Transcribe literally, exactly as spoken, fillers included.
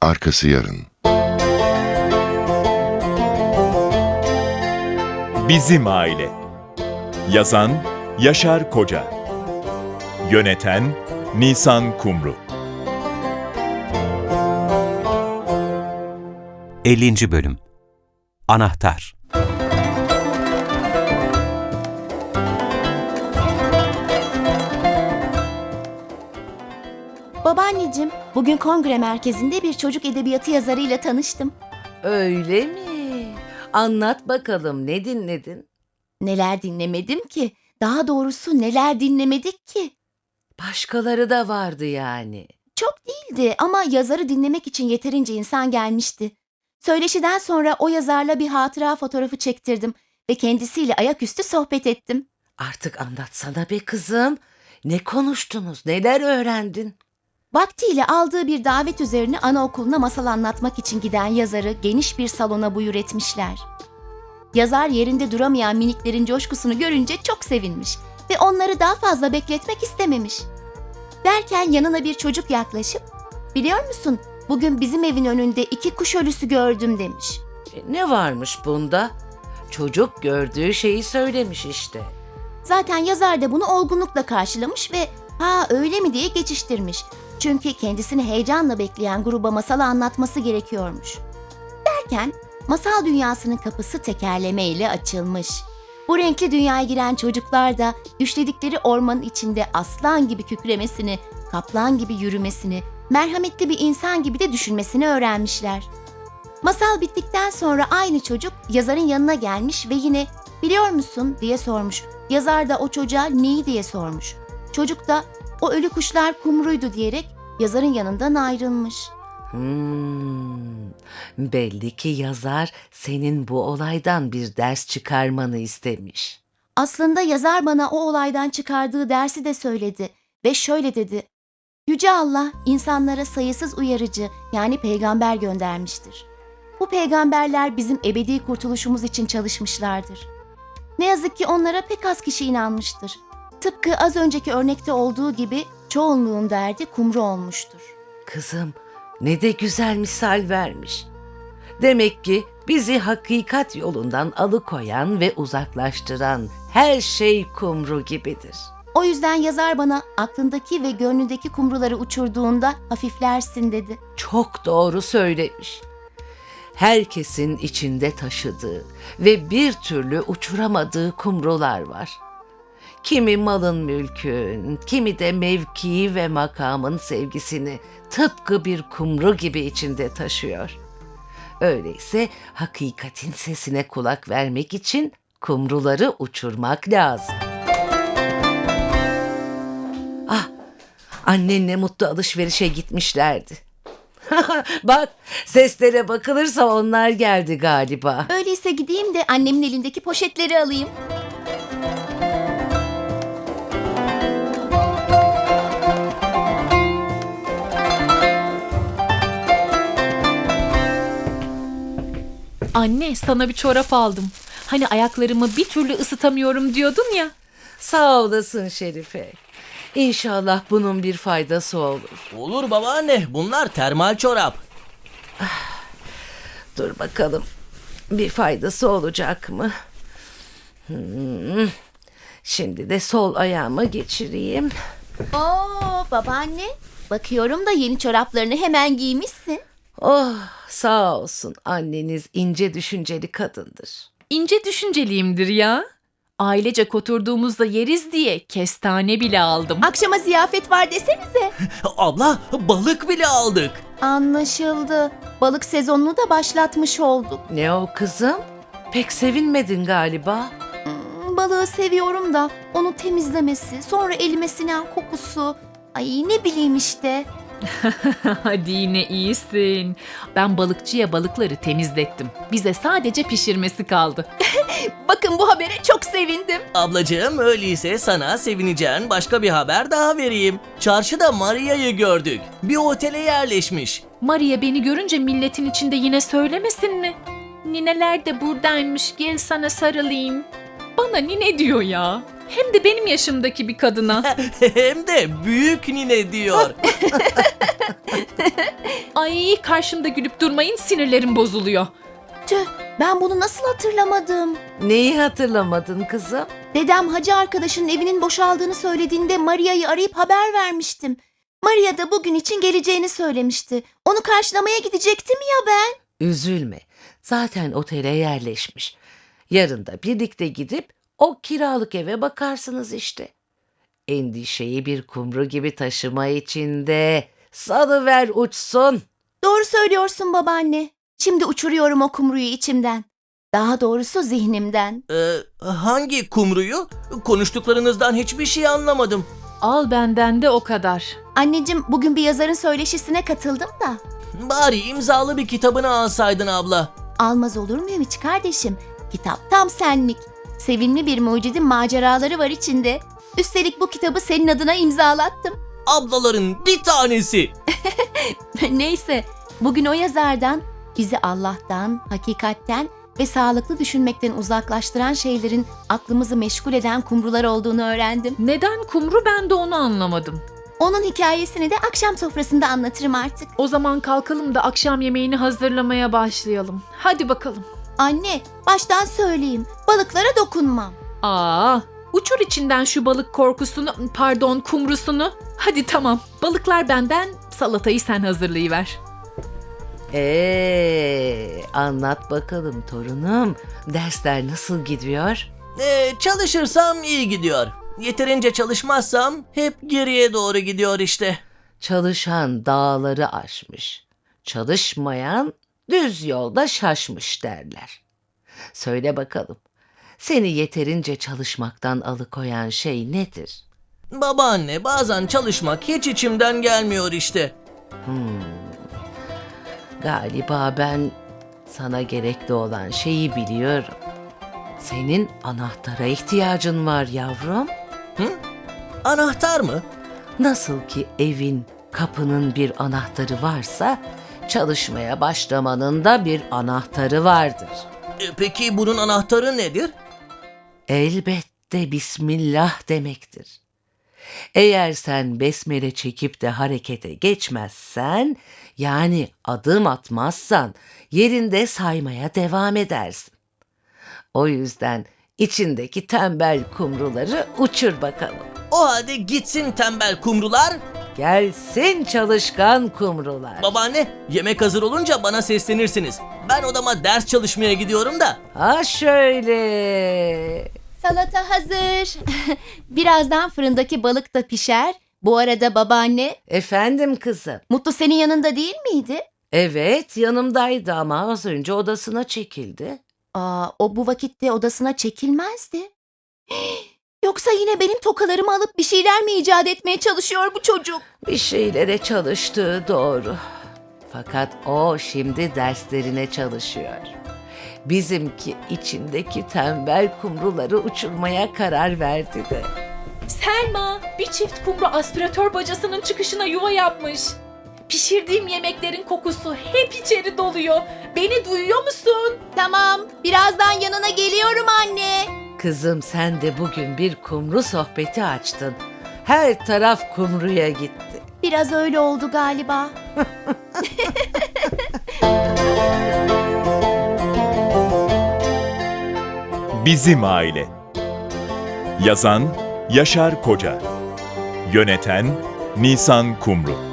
arkası yarın. Bizim Aile. Yazan Yaşar Koca. Yöneten Nisan Kumru. ellinci. Bölüm. Anahtar. Babaanneciğim, bugün kongre merkezinde bir çocuk edebiyatı yazarıyla tanıştım. Öyle mi? Anlat bakalım, ne dinledin? Neler dinlemedim ki? Daha doğrusu neler dinlemedik ki? Başkaları da vardı yani. Çok değildi ama yazarı dinlemek için yeterince insan gelmişti. Söyleşiden sonra o yazarla bir hatıra fotoğrafı çektirdim ve kendisiyle ayaküstü sohbet ettim. Artık anlatsana be kızım. Ne konuştunuz, neler öğrendin? Vaktiyle aldığı bir davet üzerine anaokuluna masal anlatmak için giden yazarı geniş bir salona buyur etmişler. Yazar yerinde duramayan miniklerin coşkusunu görünce çok sevinmiş ve onları daha fazla bekletmek istememiş. Derken yanına bir çocuk yaklaşıp, "Biliyor musun, bugün bizim evin önünde iki kuş ölüsü gördüm," demiş. E, ne varmış bunda? Çocuk gördüğü şeyi söylemiş işte. Zaten yazar da bunu olgunlukla karşılamış ve "Ha öyle mi?" diye geçiştirmiş. Çünkü kendisini heyecanla bekleyen gruba masalı anlatması gerekiyormuş. Derken masal dünyasının kapısı tekerlemeyle açılmış. Bu renkli dünyaya giren çocuklar da düşledikleri ormanın içinde aslan gibi kükremesini, kaplan gibi yürümesini, merhametli bir insan gibi de düşünmesini öğrenmişler. Masal bittikten sonra aynı çocuk yazarın yanına gelmiş ve yine "Biliyor musun?" diye sormuş. Yazar da o çocuğa neyi diye sormuş. Çocuk da "O ölü kuşlar kumruydu," diyerek yazarın yanından ayrılmış. Hmm, belli ki yazar senin bu olaydan bir ders çıkarmanı istemiş. Aslında yazar bana o olaydan çıkardığı dersi de söyledi ve şöyle dedi: "Yüce Allah insanlara sayısız uyarıcı yani peygamber göndermiştir. Bu peygamberler bizim ebedi kurtuluşumuz için çalışmışlardır. Ne yazık ki onlara pek az kişi inanmıştır. Tıpkı az önceki örnekte olduğu gibi çoğunluğun derdi kumru olmuştur." Kızım, ne de güzel misal vermiş. Demek ki bizi hakikat yolundan alıkoyan ve uzaklaştıran her şey kumru gibidir. O yüzden yazar bana aklındaki ve gönlündeki kumruları uçurduğunda hafiflersin dedi. Çok doğru söylemiş. Herkesin içinde taşıdığı ve bir türlü uçuramadığı kumrular var. Kimi malın mülkün, kimi de mevkii ve makamın sevgisini tıpkı bir kumru gibi içinde taşıyor. Öyleyse hakikatin sesine kulak vermek için kumruları uçurmak lazım. Ah, annenle Mutlu alışverişe gitmişlerdi. Bak, seslere bakılırsa onlar geldi galiba. Öyleyse gideyim de annemin elindeki poşetleri alayım. Anne, sana bir çorap aldım. Hani ayaklarımı bir türlü ısıtamıyorum diyordun ya. Sağ olasın Şerife. İnşallah bunun bir faydası olur. Olur babaanne, bunlar termal çorap. Dur bakalım, bir faydası olacak mı? Hmm. Şimdi de sol ayağıma geçireyim. Oo babaanne, bakıyorum da yeni çoraplarını hemen giymişsin. Oh, sağ olsun, anneniz ince düşünceli kadındır. İnce düşünceliyimdir ya. Ailecek oturduğumuzda yeriz diye kestane bile aldım. Akşama ziyafet var desenize. Abla, balık bile aldık. Anlaşıldı. Balık sezonunu da başlatmış olduk. Ne o kızım? Pek sevinmedin galiba. Hmm, balığı seviyorum da onu temizlemesi, sonra elime sinen kokusu. Ay ne bileyim işte. Hadi yine iyisin. Ben balıkçıya balıkları temizlettim. Bize sadece pişirmesi kaldı. Bakın bu habere çok sevindim. Ablacığım, öyleyse sana sevineceğin başka bir haber daha vereyim. Çarşıda Maria'yı gördük. Bir otele yerleşmiş. Maria beni görünce milletin içinde yine söylemesin mi? Nineler de buradaymış, gel sana sarılayım. Bana nine diyor ya. Hem de benim yaşımdaki bir kadına. Hem de büyük nine diyor. Ay karşımda gülüp durmayın, sinirlerim bozuluyor. Tüh, ben bunu nasıl hatırlamadım? Neyi hatırlamadın kızım? Dedem hacı arkadaşının evinin boşaldığını söylediğinde Maria'yı arayıp haber vermiştim. Maria da bugün için geleceğini söylemişti. Onu karşılamaya gidecektim ya ben. Üzülme. Zaten otele yerleşmiş. Yarın da birlikte gidip o kiralık eve bakarsınız işte. Endişeyi bir kumru gibi taşıma içinde. Salıver uçsun. Doğru söylüyorsun babaanne. Şimdi uçuruyorum o kumruyu içimden. Daha doğrusu zihnimden. Ee, hangi kumruyu? Konuştuklarınızdan hiçbir şey anlamadım. Al benden de o kadar. Anneciğim, bugün bir yazarın söyleşisine katıldım da. Bari imzalı bir kitabını alsaydın abla. Almaz olur muyum hiç kardeşim? Kitap tam senlik. Sevimli bir mucidin maceraları var içinde. Üstelik bu kitabı senin adına imzalattım. Ablaların bir tanesi. Neyse, bugün o yazardan bizi Allah'tan, hakikatten ve sağlıklı düşünmekten uzaklaştıran şeylerin aklımızı meşgul eden kumrular olduğunu öğrendim. Neden kumru, ben de onu anlamadım. Onun hikayesini de akşam sofrasında anlatırım artık. O zaman kalkalım da akşam yemeğini hazırlamaya başlayalım. Hadi bakalım. Anne, baştan söyleyeyim, balıklara dokunmam. Aa, uçur içinden şu balık korkusunu, pardon kumrusunu. Hadi tamam, balıklar benden, salatayı sen hazırlayıver. Ee, anlat bakalım torunum. Dersler nasıl gidiyor? Ee, çalışırsam iyi gidiyor. Yeterince çalışmazsam hep geriye doğru gidiyor işte. Çalışan dağları aşmış. Çalışmayan düz yolda şaşmış derler. Söyle bakalım. Seni yeterince çalışmaktan alıkoyan şey nedir? Babaanne, bazen çalışmak hiç içimden gelmiyor işte. Galiba ben sana gerekli olan şeyi biliyorum. Senin anahtara ihtiyacın var yavrum. Anahtar mı? Nasıl ki evin, kapının bir anahtarı varsa, çalışmaya başlamanın da bir anahtarı vardır. E, peki bunun anahtarı nedir? Elbette Bismillah demektir. Eğer sen besmele çekip de harekete geçmezsen, yani adım atmazsan, yerinde saymaya devam edersin. O yüzden içindeki tembel kumruları uçur bakalım. O halde gitsin tembel kumrular. Gelsin çalışkan kumrular. Babaanne, yemek hazır olunca bana seslenirsiniz. Ben odama ders çalışmaya gidiyorum da. Ha şöyle. Salata hazır. Birazdan fırındaki balık da pişer. Bu arada babaanne, Efendim kızım. Mutlu senin yanında değil miydi? Evet, yanımdaydı ama az önce odasına çekildi. Aa, o bu vakitte odasına çekilmezdi. Yoksa yine benim tokalarımı alıp bir şeyler mi icat etmeye çalışıyor bu çocuk? Bir şeylere çalıştığı doğru. Fakat o şimdi derslerine çalışıyor. Bizimki içindeki tembel kumruları uçurmaya karar verdi de. Selma, bir çift kumru aspiratör bacasının çıkışına yuva yapmış. Pişirdiğim yemeklerin kokusu hep içeri doluyor. Beni duyuyor musun? Tamam, birazdan yanına geliyorum anne. Kızım sen de bugün bir kumru sohbeti açtın. Her taraf kumruya gitti. Biraz öyle oldu galiba. Bizim Aile. Yazan Yaşar Koca. Yöneten Nisan Kumru.